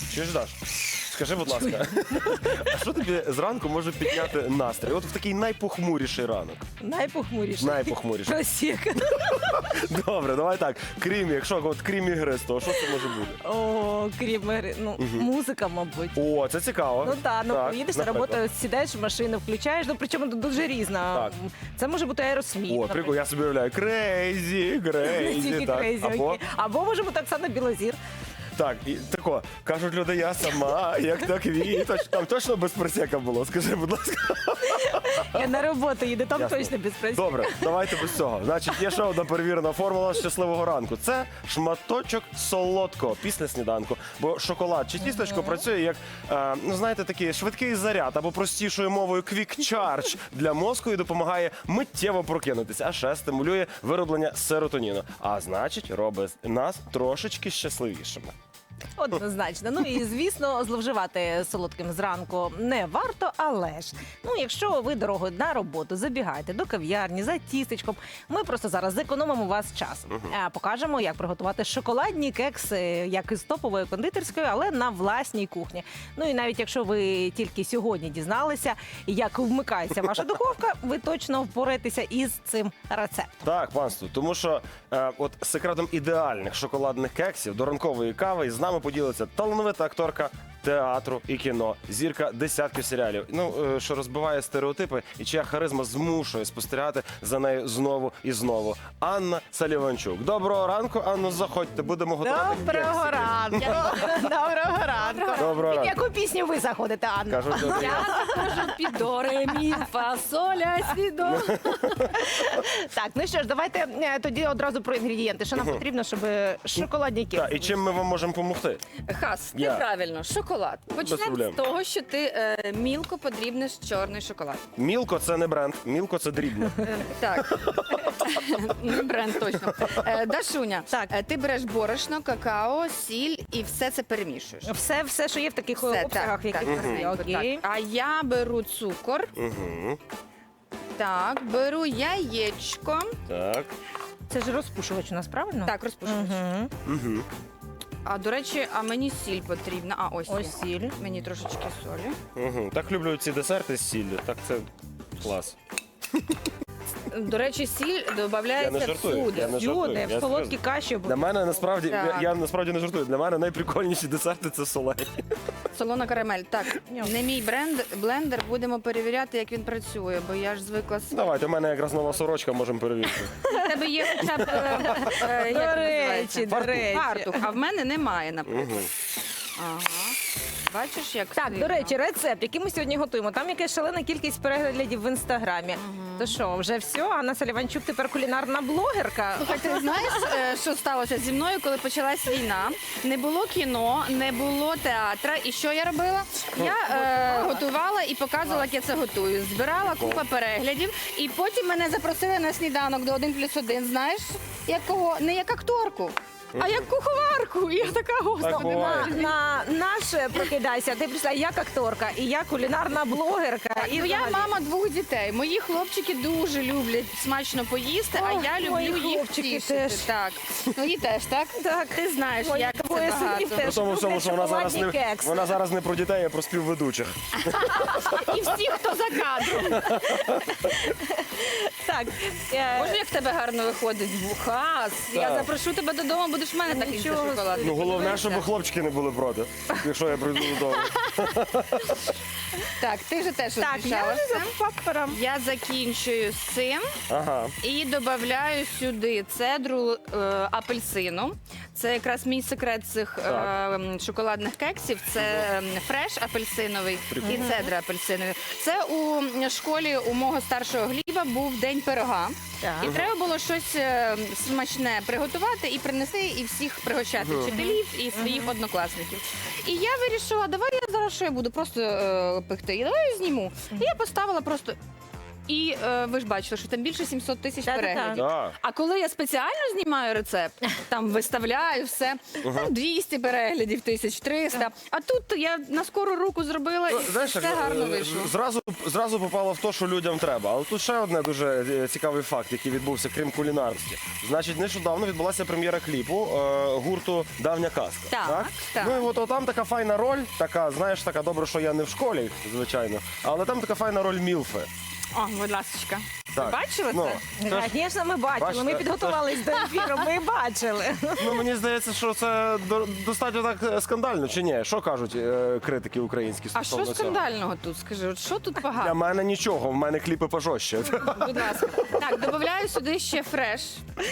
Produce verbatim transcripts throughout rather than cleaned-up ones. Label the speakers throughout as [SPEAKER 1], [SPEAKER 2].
[SPEAKER 1] Чуєш, Даш? Скажи, будь ласка, а що тобі зранку може підняти настрій? От в такий найпохмуріший ранок.
[SPEAKER 2] Найпохмуріший.
[SPEAKER 1] Найпохмуріший.
[SPEAKER 2] Просіка.
[SPEAKER 1] Добре, давай так. Крім, якщо от крім ігри, то що це може бути?
[SPEAKER 2] О, крім гри. Ну, музика, мабуть.
[SPEAKER 1] О, це цікаво.
[SPEAKER 2] Ну так, ну
[SPEAKER 1] Так,
[SPEAKER 2] їдеш на
[SPEAKER 1] наприклад.
[SPEAKER 2] роботу, сідаєш в машину, включаєш, ну причому тут дуже різна.
[SPEAKER 1] Так.
[SPEAKER 2] Це може бути аеросміт.
[SPEAKER 1] О, прикол, я собі уявляю. Крейзі, крейзі.
[SPEAKER 2] Тільки
[SPEAKER 1] так.
[SPEAKER 2] крейзі,
[SPEAKER 1] Або,
[SPEAKER 2] окей. Або може бути Оксана Білозір.
[SPEAKER 1] так, і тако, кажуть люди, я сама, як та квіточ. Там точно без просека було, скажи, будь ласка.
[SPEAKER 2] Я на роботу їду, там
[SPEAKER 1] Ясно.
[SPEAKER 2] точно без працює.
[SPEAKER 1] Добре, давайте без цього. Значить, є ще одна перевірена формула щасливого ранку. Це шматочок солодкого після сніданку. Бо шоколад чи тістечко працює як, е, ну знаєте, такий швидкий заряд або простішою мовою quick charge для мозку і допомагає миттєво прокинутися, а ще стимулює вироблення серотоніну. А значить, робить нас трошечки щасливішими.
[SPEAKER 2] Однозначно. Ну і звісно, зловживати солодким зранку не варто, але ж ну, якщо ви дорогою на роботу забігаєте до кав'ярні за тістечком, ми просто зараз зекономимо у вас час. А покажемо, як приготувати шоколадні кекси, як із топової кондитерської, але на власній кухні. Ну і навіть якщо ви тільки сьогодні дізналися, як вмикається ваша духовка, ви точно впораєтеся із цим рецептом.
[SPEAKER 1] Так, панство, тому що е, от секретом ідеальних шоколадних кексів до ранкової кави з нами поділиться талановита акторка театру і кіно, зірка десятків серіалів, ну, е, що розбиває стереотипи і чия харизма змушує спостерігати за нею знову і знову. Анна Саліванчук. Доброго ранку, Анно, заходьте, будемо готувати
[SPEAKER 2] Доброго
[SPEAKER 1] кексики.
[SPEAKER 2] ранку! Доброго ранку!
[SPEAKER 1] Доброго
[SPEAKER 2] Під
[SPEAKER 1] ранку.
[SPEAKER 2] яку пісню ви заходите, Анна?
[SPEAKER 1] Кажуть, добрий
[SPEAKER 3] Я заходжу під до, ре, мі, фа, соль, ля, сі, до.
[SPEAKER 2] Так, ну що ж, давайте е, тоді одразу про інгредієнти. Що нам потрібно, щоб шоколадні кекси?
[SPEAKER 1] Так, і чим ми вам можемо допомогти?
[SPEAKER 3] Хас, ти
[SPEAKER 1] Я.
[SPEAKER 3] правильно, шоколад. Почнемо
[SPEAKER 1] проблем.
[SPEAKER 3] з того, що ти е, мілко подрібнеш чорний шоколад.
[SPEAKER 1] Мілко це не бренд, мілко це дрібно.
[SPEAKER 3] Е, так, не бренд точно. Е, Дашуня,
[SPEAKER 2] Так.
[SPEAKER 3] е, ти береш борошно, какао, сіль і все це перемішуєш.
[SPEAKER 2] Все, все, що є в таких
[SPEAKER 3] Все,
[SPEAKER 2] обсягах, в яких
[SPEAKER 3] так,
[SPEAKER 2] ви
[SPEAKER 3] так,
[SPEAKER 2] окей.
[SPEAKER 3] так. А я беру цукор,
[SPEAKER 1] Угу.
[SPEAKER 3] так, беру яєчко,
[SPEAKER 1] Так.
[SPEAKER 2] Це ж розпушувач у нас, правильно?
[SPEAKER 3] так, розпушувач.
[SPEAKER 2] Угу.
[SPEAKER 1] Угу.
[SPEAKER 3] А, до речі, а мені сіль потрібна. А, ось,
[SPEAKER 2] Ось сіль.
[SPEAKER 3] мені трошечки солі.
[SPEAKER 1] Угу. Так люблю ці десерти з сіллю. Так це клас.
[SPEAKER 3] До речі, сіль
[SPEAKER 1] Я не
[SPEAKER 3] додається
[SPEAKER 1] жартую,
[SPEAKER 3] всюди.
[SPEAKER 1] я не жартую.
[SPEAKER 2] Юде,
[SPEAKER 1] Я
[SPEAKER 2] в солодкі
[SPEAKER 1] серйозно.
[SPEAKER 2] каші.
[SPEAKER 1] Для мене насправді,
[SPEAKER 3] Так.
[SPEAKER 1] я, я насправді не жартую. Для мене найприкольніші десерти це солені.
[SPEAKER 3] Солона карамель. Так,
[SPEAKER 2] Ням.
[SPEAKER 3] не мій бренд, блендер, будемо перевіряти, як він працює, бо я ж звикла з
[SPEAKER 1] Давайте, у мене якраз нова сорочка, можемо перевірити.
[SPEAKER 3] У тебе є хоча б е, е,
[SPEAKER 2] До
[SPEAKER 3] як
[SPEAKER 2] речі, до
[SPEAKER 3] називається?
[SPEAKER 2] речі.
[SPEAKER 3] Фартух, а в мене немає, наприклад.
[SPEAKER 1] Угу.
[SPEAKER 3] Ага. Бачиш, як
[SPEAKER 2] Так,
[SPEAKER 3] сильно?
[SPEAKER 2] до речі, рецепт, який ми сьогодні готуємо. Там якась шалена кількість переглядів в інстаграмі. То що, вже все? Анна Саліванчук тепер кулінарна блогерка.
[SPEAKER 3] Слухай, ти знаєш, е, що сталося зі мною, коли почалась війна? Не було кіно, не було театра. І що я робила? Я е, готувала і показувала, як я це готую. Збирала купа переглядів, і потім мене запросили на сніданок до один плюс один. Знаєш, як кого? Не як акторку, а як куховарку. І я така,
[SPEAKER 1] Так
[SPEAKER 3] господи,
[SPEAKER 1] буває.
[SPEAKER 2] На, на наше прокидайся. Ти прийшла як акторка, і я кулінарна блогерка.
[SPEAKER 3] І
[SPEAKER 2] І
[SPEAKER 3] я
[SPEAKER 2] взагалі.
[SPEAKER 3] мама двох дітей. Мої хлопчики дуже люблять смачно поїсти, а
[SPEAKER 2] Ох,
[SPEAKER 3] я
[SPEAKER 2] мої
[SPEAKER 3] люблю їх
[SPEAKER 2] хлопчики
[SPEAKER 3] втішити.
[SPEAKER 2] теж.
[SPEAKER 3] Так. Твої теж, так?
[SPEAKER 2] Так.
[SPEAKER 3] Ти знаєш,
[SPEAKER 2] Мої
[SPEAKER 3] як
[SPEAKER 2] двоє
[SPEAKER 3] це
[SPEAKER 2] синів
[SPEAKER 3] багато.
[SPEAKER 2] теж.
[SPEAKER 1] При тому всьому, що вона зараз не
[SPEAKER 2] шоколадні кекси.
[SPEAKER 1] вона зараз не про дітей, а про співведучих.
[SPEAKER 3] І всі, хто за кадром.
[SPEAKER 2] Так. е,
[SPEAKER 3] Боже, як в тебе гарно виходить. Хас. Я
[SPEAKER 1] Так.
[SPEAKER 3] запрошу тебе додому, будеш в мене такий
[SPEAKER 2] Нічого
[SPEAKER 3] шоколад.
[SPEAKER 1] Ну головне, щоб хлопчики не були проти, якщо я прийду додому.
[SPEAKER 3] Так, ти ж теж
[SPEAKER 2] Так, я
[SPEAKER 3] розмішала
[SPEAKER 2] вже
[SPEAKER 3] все.
[SPEAKER 2] за папером.
[SPEAKER 3] Я закінчую з цим
[SPEAKER 1] Ага.
[SPEAKER 3] і додаю сюди цедру е, апельсину. Це якраз мій секрет цих е, м, шоколадних кексів. Це м, фреш апельсиновий і цедра апельсинові. Це у школі у мого старшого Гліба був день пирога.
[SPEAKER 2] Так.
[SPEAKER 3] І треба було щось е, смачне приготувати і принести, і всіх пригощати вчителів і своїх однокласників. І я вирішила, давай я зараз що я буду просто е, пекти. І давай я зніму. І я поставила просто І е, ви ж бачили, що там більше сімсот тисяч
[SPEAKER 2] Та-та-та.
[SPEAKER 3] переглядів.
[SPEAKER 1] Да.
[SPEAKER 3] А коли я спеціально знімаю рецепт, там виставляю все, там двісті переглядів, тисяч триста. А тут я на скору руку зробила
[SPEAKER 1] Ну,
[SPEAKER 3] і
[SPEAKER 1] знаєш,
[SPEAKER 3] все
[SPEAKER 1] як,
[SPEAKER 3] гарно
[SPEAKER 1] е,
[SPEAKER 3] вийшло.
[SPEAKER 1] Зразу, зразу попало в те, що людям треба. Але тут ще одне дуже е, цікавий факт, який відбувся, крім кулінарності. Значить, нещодавно відбулася прем'єра кліпу е, гурту «Давня казка».
[SPEAKER 3] Так, так.
[SPEAKER 1] Ну і от там така файна роль, така, знаєш, така добре, що я не в школі, звичайно, але там така файна роль Мілфи.
[SPEAKER 3] О, будь ласочка. Ви
[SPEAKER 1] Так.
[SPEAKER 3] бачили
[SPEAKER 1] Ну,
[SPEAKER 3] це?
[SPEAKER 1] це ж-
[SPEAKER 2] Звісно, ми бачили.
[SPEAKER 1] Бачите,
[SPEAKER 2] Ми
[SPEAKER 1] це-
[SPEAKER 2] підготувались до ефіру, ми бачили.
[SPEAKER 1] Ну, мені здається, що це до- достатньо так е, скандально, чи ні? Що кажуть е, критики українські
[SPEAKER 3] А
[SPEAKER 1] стосовно
[SPEAKER 3] що
[SPEAKER 1] цього?
[SPEAKER 3] скандального тут? Скажи, от що тут
[SPEAKER 1] Для
[SPEAKER 3] погано?
[SPEAKER 1] мене нічого, в мене кліпи пожорстче.
[SPEAKER 3] Будь ласка. Так, додаю сюди ще фреш.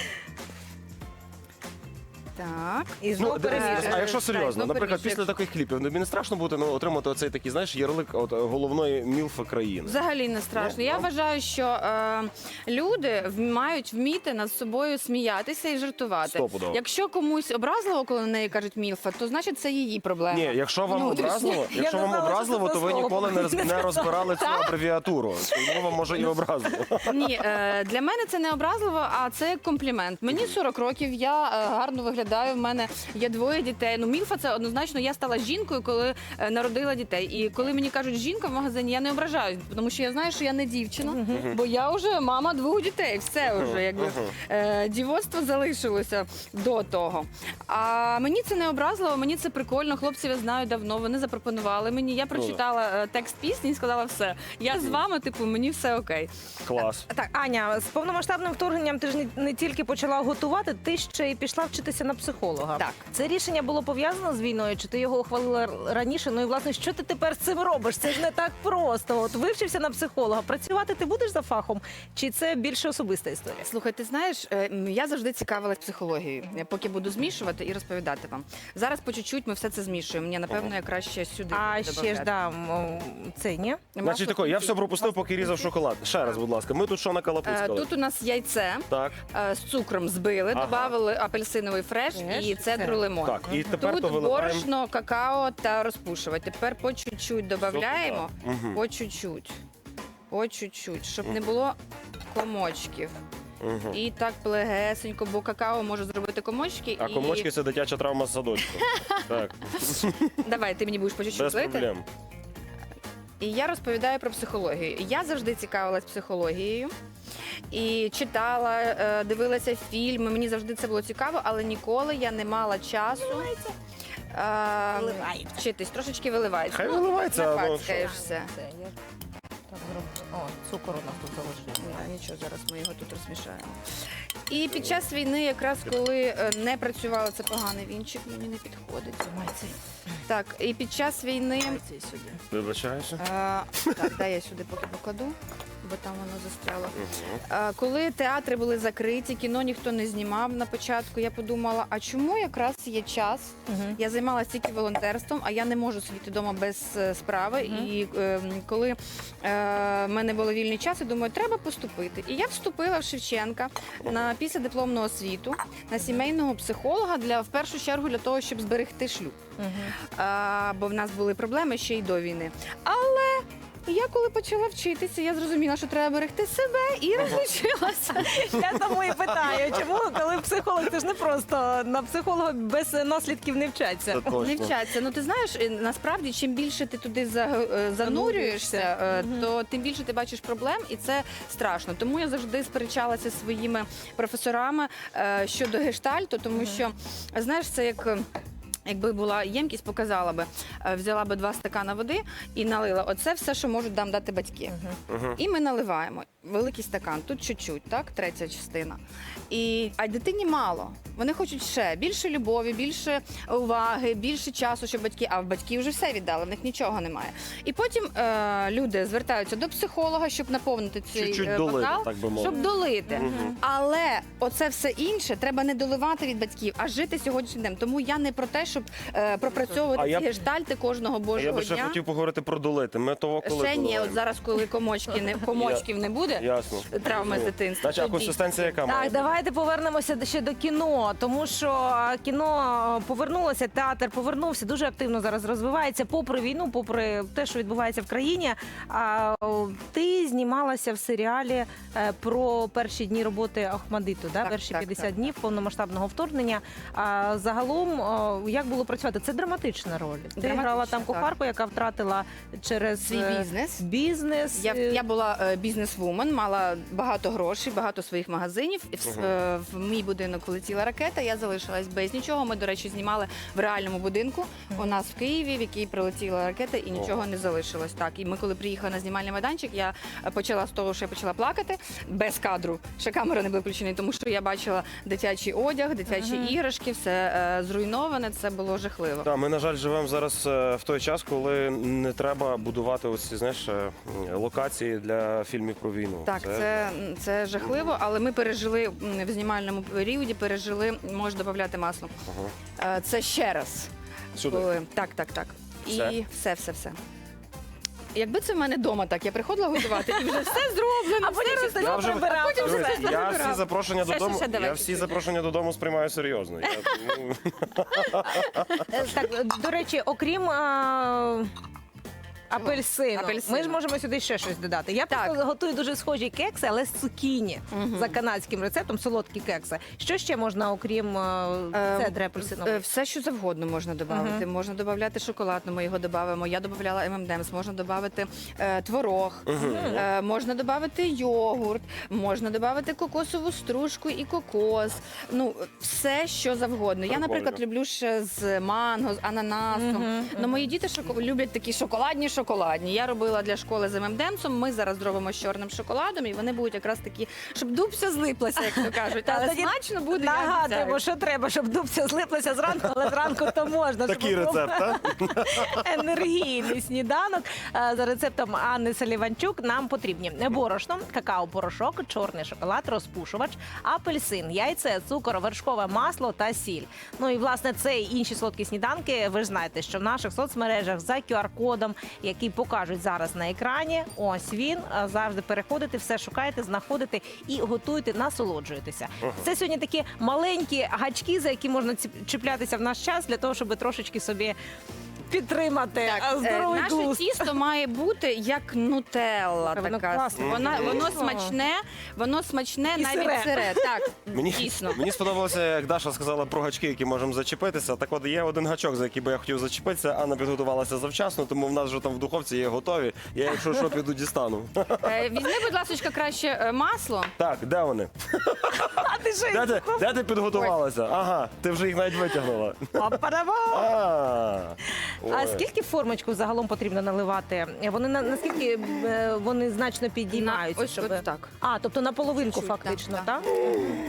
[SPEAKER 3] Так.
[SPEAKER 2] І
[SPEAKER 1] Ну,
[SPEAKER 2] знову
[SPEAKER 1] дивись,
[SPEAKER 2] перемішуємо.
[SPEAKER 1] а якщо
[SPEAKER 3] Так,
[SPEAKER 1] серйозно,
[SPEAKER 3] знову
[SPEAKER 1] наприклад,
[SPEAKER 3] перемішуєш.
[SPEAKER 1] після таких кліпів, ну, мені не страшно бути, ну, отримати оцей такий, знаєш, ярлик от, головної мілфи країни.
[SPEAKER 3] Взагалі не страшно.
[SPEAKER 1] Ну,
[SPEAKER 3] Я
[SPEAKER 1] ну.
[SPEAKER 3] вважаю, що е, люди в- мають вміти над собою сміятися і жартувати.
[SPEAKER 1] Стопудово.
[SPEAKER 3] Якщо комусь образливо, коли на неї кажуть мілфа, то значить це її проблема.
[SPEAKER 1] Ні, якщо вам
[SPEAKER 3] Внутрішня.
[SPEAKER 1] образливо,
[SPEAKER 2] Я
[SPEAKER 1] якщо
[SPEAKER 2] не
[SPEAKER 1] вам
[SPEAKER 2] знала, що
[SPEAKER 1] образливо,
[SPEAKER 2] це
[SPEAKER 1] то ви
[SPEAKER 2] слово.
[SPEAKER 1] ніколи не, роз-
[SPEAKER 2] Не
[SPEAKER 1] не розбирали цю абревіатуру. Тому вам може і образливо.
[SPEAKER 3] Ні, е, для мене це не образливо, а це як комплімент. Мені сорок років, я е, гарно виглядаю. В мене є двоє дітей. Ну, мілфа це однозначно. Я стала жінкою, коли е, народила дітей. І коли мені кажуть жінка в магазині, я не ображаюсь, тому що я знаю, що я не дівчина, бо я вже мама двох дітей. Все вже якби е, дівоцтво залишилося до того. А мені це не образливо, мені це прикольно. Хлопців я знаю давно. Вони запропонували мені. Я прочитала е, текст пісні і сказала все. Я з вами, типу, мені все окей.
[SPEAKER 1] Клас.
[SPEAKER 2] Так, Аня, з повномасштабним вторгненням ти ж не, не тільки почала готувати, ти ще й пішла вчитися на психолога.
[SPEAKER 3] Так.
[SPEAKER 2] Це рішення було пов'язано з війною, чи ти його ухвалила р- раніше? Ну і власне, що ти тепер з цим робиш? Це ж не так просто. От вивчився на психолога. Працювати ти будеш за фахом, чи це більше особиста історія?
[SPEAKER 3] Слухай, ти знаєш, е, м, я завжди цікавилась психологією. Я поки буду змішувати і розповідати вам. Зараз по чуть-чуть ми все це змішуємо. Мені напевно я краще сюди.
[SPEAKER 2] А
[SPEAKER 3] буду
[SPEAKER 2] ще ж
[SPEAKER 3] добавляти.
[SPEAKER 2] да, м, це ні?
[SPEAKER 3] Масло
[SPEAKER 1] Значить тако, я
[SPEAKER 3] кукурудзяне.
[SPEAKER 1] все пропустив, поки різав шоколад. Ще раз, будь ласка, ми тут що
[SPEAKER 3] Е,
[SPEAKER 1] накалапуцькали?
[SPEAKER 3] Тут у нас яйце
[SPEAKER 1] Так,
[SPEAKER 3] е, з цукром збили,
[SPEAKER 1] Ага.
[SPEAKER 3] додали апельсиновий фреш
[SPEAKER 2] Фреш,
[SPEAKER 3] і цедру
[SPEAKER 2] це.
[SPEAKER 3] лимон.
[SPEAKER 1] так, і тепер
[SPEAKER 3] Тут
[SPEAKER 1] то виливаємо.
[SPEAKER 3] борошно, какао та розпушувач. Тепер по чуть-чуть додаємо,
[SPEAKER 1] Мгм.
[SPEAKER 3] по чуть-чуть, по чуть-чуть, щоб не було комочків.
[SPEAKER 1] Мгм.
[SPEAKER 3] І так плегесенько, бо какао може зробити комочки.
[SPEAKER 1] А
[SPEAKER 3] і...
[SPEAKER 1] комочки це дитяча травма з садочку. Так,
[SPEAKER 3] Давай, ти мені будеш по чуть-чуть
[SPEAKER 1] без
[SPEAKER 3] лити.
[SPEAKER 1] проблем.
[SPEAKER 3] І я розповідаю про психологію. Я завжди цікавилась психологією. І читала, е, дивилася фільми. Мені завжди це було цікаво, але ніколи я не мала часу е,
[SPEAKER 2] Виливається.
[SPEAKER 3] вчитись. Трошечки виливається.
[SPEAKER 1] Хай виливається,
[SPEAKER 3] не
[SPEAKER 1] ну,
[SPEAKER 3] пацькаєшся.
[SPEAKER 2] Це я так зроблю. О, цукор у нас тут залишився.
[SPEAKER 3] Да, нічого, зараз ми його тут розмішаємо. І під час війни, якраз коли е, не працювала, це поганий вінчик, мені не підходить.
[SPEAKER 2] Май цей,
[SPEAKER 3] Так, і під час війни.
[SPEAKER 2] май цей сюди.
[SPEAKER 1] Вибачаюся.
[SPEAKER 3] Е, так, дай я сюди поки покладу, бо там воно застряло. Е, коли театри були закриті, кіно ніхто не знімав на початку, я подумала, а чому якраз є час?
[SPEAKER 2] Мгм.
[SPEAKER 3] Я займалася тільки волонтерством, а я не можу сидіти вдома без е, справи.
[SPEAKER 2] Мгм.
[SPEAKER 3] І е, коли е, в мене було вільний час, я думаю, треба поступити. І я вступила в Шевченка на післядипломну освіту на сімейного психолога для в першу чергу для того, щоб зберегти шлюб.
[SPEAKER 2] Мгм.
[SPEAKER 3] А, бо в нас були проблеми ще й до війни. Але я коли почала вчитися, я зрозуміла, що треба берегти себе і розлучилася.
[SPEAKER 2] Я тому і питаю, чому, коли психолог, це ж не просто на психолога без наслідків не вчаться.
[SPEAKER 1] Це точно.
[SPEAKER 3] Не вчаться. Ну ти знаєш, е, насправді, чим більше ти туди за- е, занурюєшся, е,
[SPEAKER 2] Мгм.
[SPEAKER 3] то тим більше ти бачиш проблем, і це страшно. Тому я завжди сперечалася зі своїми професорами е, щодо гештальту, тому що знаєш, це як. е, Якби була ємкість, показала би, е, взяла би два стакана води і налила. Оце все, що можуть нам дати батьки.
[SPEAKER 1] Мгм.
[SPEAKER 3] І ми наливаємо великий стакан, тут чуть-чуть, так, третя частина. І, а дитині мало. Вони хочуть ще більше любові, більше уваги, більше часу, щоб батьки, а в батьки вже все віддали, в них нічого немає. І потім е, люди звертаються до психолога, щоб наповнити цей
[SPEAKER 1] Чуть-чуть
[SPEAKER 3] е,
[SPEAKER 1] долити,
[SPEAKER 3] бокал,
[SPEAKER 1] так би мовити.
[SPEAKER 3] щоб долити.
[SPEAKER 1] Мгм.
[SPEAKER 3] Але оце все інше треба не доливати від батьків, а жити сьогоднішнім днем. Тому я не про те, щоб щоб е, пропрацьовувати
[SPEAKER 1] А
[SPEAKER 3] ці
[SPEAKER 1] я б-
[SPEAKER 3] гештальти кожного
[SPEAKER 1] А я
[SPEAKER 3] божого
[SPEAKER 1] би ще
[SPEAKER 3] дня.
[SPEAKER 1] хотів поговорити про долити. Ми того коли
[SPEAKER 3] Ще ні,
[SPEAKER 1] доливаємо?
[SPEAKER 3] от зараз, коли комочки не комочків не буде,
[SPEAKER 1] Ясно.
[SPEAKER 3] травми з дитинства.
[SPEAKER 1] Значить, а
[SPEAKER 3] тоді.
[SPEAKER 1] консистенція яка має?
[SPEAKER 2] Так, давайте повернемося до- ще до кіно, тому що кіно повернулося, театр повернувся, дуже активно зараз розвивається, попри війну, попри те, що відбувається в країні. А о, ти знімалася в серіалі е, про перші дні роботи Охмадиту, да?
[SPEAKER 3] Так,
[SPEAKER 2] перші
[SPEAKER 3] так,
[SPEAKER 2] п'ятдесят
[SPEAKER 3] так.
[SPEAKER 2] днів повномасштабного вторгнення. А загалом, о, як було працювати? Це драматична роль. Ти
[SPEAKER 3] Драматична,
[SPEAKER 2] грала там
[SPEAKER 3] так.
[SPEAKER 2] кухарку, яка втратила через
[SPEAKER 3] Свій
[SPEAKER 2] е,
[SPEAKER 3] бізнес.
[SPEAKER 2] бізнес.
[SPEAKER 3] Я,
[SPEAKER 2] е,
[SPEAKER 3] я була е, бізнес-вумен, мала багато грошей, багато своїх магазинів. І в, е, в мій будинок полетіла ракета, я залишилась без нічого. Ми, до речі, знімали в реальному будинку у нас в Києві, в який прилетіла ракета, і нічого не залишилось. Так, і ми, коли приїхали на знімальний майданчик, я е, почала з того, що я почала плакати без кадру. Ще камера не була включена, тому що я бачила дитячий одяг, дитячі іграшки, все е, зруйноване. Це було жахливо.
[SPEAKER 1] Так, ми, на жаль, живемо зараз е, в той час, коли не треба будувати оці, знаєш, е, локації для фільмів про війну.
[SPEAKER 3] Так, це, це жахливо, але ми пережили м, в знімальному періоді, пережили, можеш додати масло.
[SPEAKER 1] Ага.
[SPEAKER 3] Е, Це ще раз.
[SPEAKER 1] Сюди.
[SPEAKER 3] Коли- Так, так, так. І
[SPEAKER 1] Все?
[SPEAKER 3] все, все, все. Якби це в мене вдома так, я приходила готувати і вже все зроблено.
[SPEAKER 2] А потім
[SPEAKER 3] все
[SPEAKER 2] все
[SPEAKER 1] Я вже-
[SPEAKER 2] прибирав.
[SPEAKER 3] потім
[SPEAKER 1] Дивись,
[SPEAKER 3] все
[SPEAKER 1] я
[SPEAKER 3] забирав.
[SPEAKER 1] всі запрошення
[SPEAKER 3] Все,
[SPEAKER 1] додому,
[SPEAKER 3] ще, ще, давай
[SPEAKER 1] я всі
[SPEAKER 3] чуть-чуть.
[SPEAKER 1] запрошення додому сприймаю серйозно. Я, ну,
[SPEAKER 2] Е, Так, до речі, окрім а, апельсину,
[SPEAKER 3] Апельсину.
[SPEAKER 2] ми ж можемо сюди ще щось додати. Я
[SPEAKER 3] Так.
[SPEAKER 2] просто готую дуже схожі кекси, але з цукіні
[SPEAKER 3] Мгм.
[SPEAKER 2] за канадським рецептом, солодкі кекси. Що ще можна, окрім
[SPEAKER 3] Е,
[SPEAKER 2] цедри апельсинової?
[SPEAKER 3] Е, Все, що завгодно можна додати. Можна додати шоколад, ну, ми його додаємо. Я додавала ем ем ем ес, можна додати е, творог, е, можна додати йогурт, можна додати кокосову стружку і кокос. Ну, все, що завгодно. Я,
[SPEAKER 1] Прикольно.
[SPEAKER 3] наприклад, люблю ще з манго, з ананасом. Ну, мої діти шоко- люблять такі шоколадні шоколадні. Я робила для школи з ем ем ем есом, ми зараз зробимо з чорним шоколадом, і вони будуть якраз такі, щоб дубся злиплася, як то кажуть.
[SPEAKER 2] Та
[SPEAKER 3] Але
[SPEAKER 2] тоді
[SPEAKER 3] смачно буде, я
[SPEAKER 2] Нагадуємо,
[SPEAKER 3] обіцяю.
[SPEAKER 2] що треба, щоб дубця злиплася зранку, але зранку то можна.
[SPEAKER 1] такий
[SPEAKER 2] щоб був
[SPEAKER 1] рецепт, так?
[SPEAKER 2] енергійний сніданок. Е, За рецептом Анни Саліванчук нам потрібні борошно, какао-порошок, чорний шоколад, розпушувач, апельсин, яйце, цукор, вершкове масло та сіль. Ну і власне це і інші солодкі сніданки. Ви ж знаєте, що в наших соцмережах за ку ар кодом, який покажуть зараз на екрані. Ось він. Е, Завжди переходите, все шукаєте, знаходите і готуєте, насолоджуєтеся. Це сьогодні такі маленькі гачки, за які можна ці- чіплятися в наш час для того, щоб трошечки собі підтримати е,
[SPEAKER 3] Так, е,
[SPEAKER 2] здоровий
[SPEAKER 3] наше
[SPEAKER 2] глузд.
[SPEAKER 3] тісто має бути як нутелла.
[SPEAKER 2] Воно
[SPEAKER 3] Така.
[SPEAKER 2] класне.
[SPEAKER 3] Вона,
[SPEAKER 2] Мгм.
[SPEAKER 3] воно
[SPEAKER 2] Мгм.
[SPEAKER 3] смачне, воно смачне
[SPEAKER 2] І
[SPEAKER 3] навіть
[SPEAKER 2] сире.
[SPEAKER 3] сире. Так,
[SPEAKER 1] Мені,
[SPEAKER 3] дійсно.
[SPEAKER 1] мені сподобалося, як Даша сказала про гачки, які можемо зачепитися. Так от є один гачок, за який би я хотів зачепитися. Анна підготувалася завчасно, тому в нас вже там в духовці є готові. Я, якщо що, піду дістану.
[SPEAKER 3] Е, Візьми, будь ласка, краще е, масло.
[SPEAKER 1] Так, де вони?
[SPEAKER 2] А ти що?
[SPEAKER 1] Де ти, де ти підготувалася? Ага, ти вже їх навіть витягнула.
[SPEAKER 2] Па-па-да-ба!
[SPEAKER 1] А,
[SPEAKER 2] А
[SPEAKER 1] ой.
[SPEAKER 2] скільки формочку загалом потрібно наливати? Вони на наскільки е, вони значно підіймаються?
[SPEAKER 3] На- ось-
[SPEAKER 2] щоб...
[SPEAKER 3] ось так.
[SPEAKER 2] А, тобто на половинку
[SPEAKER 3] Чуть-чуть,
[SPEAKER 2] фактично,
[SPEAKER 3] так,
[SPEAKER 2] так?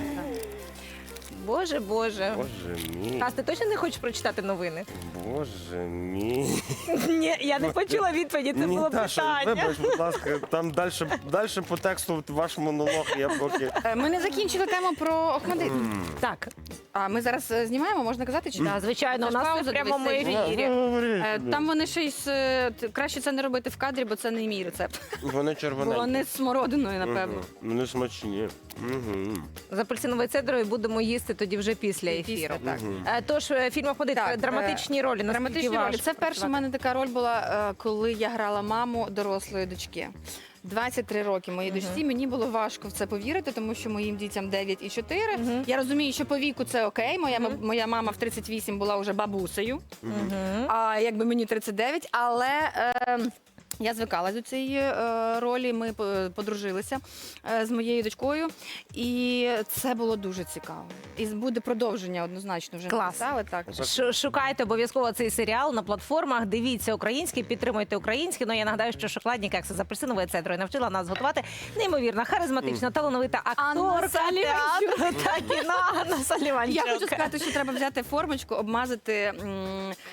[SPEAKER 2] Боже, боже.
[SPEAKER 1] Боже мій,
[SPEAKER 2] Кас, ти точно не хочеш прочитати новини?
[SPEAKER 1] боже мій.
[SPEAKER 2] Ні, я не почула відповіді, це
[SPEAKER 1] Ні,
[SPEAKER 2] було
[SPEAKER 1] Даша,
[SPEAKER 2] питання.
[SPEAKER 1] вибач, будь ласка, там далі, далі по тексту ваш монолог, я поки...
[SPEAKER 3] Е, Ми не закінчили тему про Охмадит.
[SPEAKER 2] Так,
[SPEAKER 3] А ми зараз е, знімаємо, можна казати, чи
[SPEAKER 2] да,
[SPEAKER 3] так?
[SPEAKER 2] звичайно, у
[SPEAKER 3] Це ж
[SPEAKER 2] нас це
[SPEAKER 3] пауза,
[SPEAKER 2] в прямому
[SPEAKER 3] дивись, це
[SPEAKER 2] ефірі.
[SPEAKER 3] Е, Там вони ще й з... е, т- краще це не робити в кадрі, бо це не мій рецепт.
[SPEAKER 1] Вони
[SPEAKER 3] Бо
[SPEAKER 1] червоненькі.
[SPEAKER 3] вони з смородиною, напевно.
[SPEAKER 1] Мгм. Вони смачні. Мгм.
[SPEAKER 2] З апельсиновою цедрою будемо їсти тоді вже після
[SPEAKER 3] Після,
[SPEAKER 2] ефіру.
[SPEAKER 3] так.
[SPEAKER 2] Е, Тож е, фільм «Охмадит»,
[SPEAKER 3] Так,
[SPEAKER 2] е, драматичні ролі. наскільки
[SPEAKER 3] Драматичні ролі.
[SPEAKER 2] важко
[SPEAKER 3] Це вперше в
[SPEAKER 2] працювати?
[SPEAKER 3] мене така роль була, е, коли я грала маму дорослої дочки. двадцять три роки моїй дочці. Мені було важко в це повірити, тому що моїм дітям дев'ять і чотири.
[SPEAKER 2] Мгм.
[SPEAKER 3] Я розумію, що по віку це окей. Моя, ма- моя мама в тридцять вісім була вже бабусею,
[SPEAKER 2] Мгм.
[SPEAKER 3] а якби мені тридцять дев'ять, але. Е, Я звикалась до цієї е, ролі. Ми по- подружилися е, з моєю дочкою, і це було дуже цікаво. І буде продовження однозначно вже
[SPEAKER 2] Клас.
[SPEAKER 3] написали. Так.
[SPEAKER 2] Ш- Шукайте обов'язково цей серіал на платформах. Дивіться українське, підтримуйте українське. Ну я нагадаю, що шоколадні кекси з апельсиновою цедрою навчила нас готувати неймовірна, харизматична, талановита
[SPEAKER 3] Анна
[SPEAKER 2] акторка
[SPEAKER 3] Саліванчук.
[SPEAKER 2] театру та кіно Анна Саліванчук.
[SPEAKER 3] Я хочу сказати, що треба взяти формочку, обмазати м,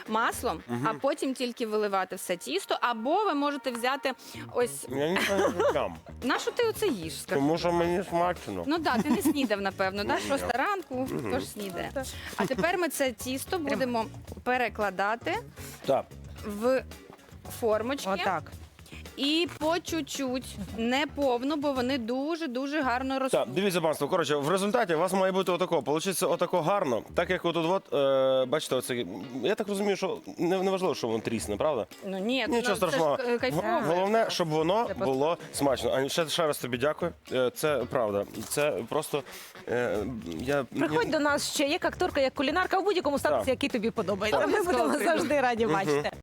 [SPEAKER 3] маслом, а потім тільки виливати все тісто. Або ви можете взяти ось
[SPEAKER 1] Я нічого не прям.
[SPEAKER 3] на що ти оце їш? Скажи?
[SPEAKER 1] Тому що мені смачно.
[SPEAKER 3] Ну так, ти не снідав, напевно, да? Шоста ранку, хто ж снідає. А тепер ми це тісто будемо перекладати
[SPEAKER 1] Так.
[SPEAKER 3] в формочки.
[SPEAKER 2] Отак.
[SPEAKER 3] І по чуть-чуть, не повну, бо вони дуже-дуже гарно ростуть.
[SPEAKER 1] Так, дивіться, панство, коротше, в результаті у вас має бути отако, получиться отако гарно, так як отут, от, е, бачите, оце, я так розумію, що не, не важливо, що воно трісне, правда?
[SPEAKER 3] Ну ні,
[SPEAKER 1] Нічого
[SPEAKER 3] ну,
[SPEAKER 1] страшного.
[SPEAKER 3] Це ж е, кайфово.
[SPEAKER 1] Головне, щоб воно
[SPEAKER 3] Це просто-
[SPEAKER 1] було смачно. А ще, ще раз тобі дякую. Е, Це правда. Це просто е, я
[SPEAKER 2] Приходь до нас ще як акторка, як кулінарка в будь-якому статусі,
[SPEAKER 1] Так.
[SPEAKER 2] який тобі подобається.
[SPEAKER 1] Так.
[SPEAKER 2] Ми будемо завжди раді бачити.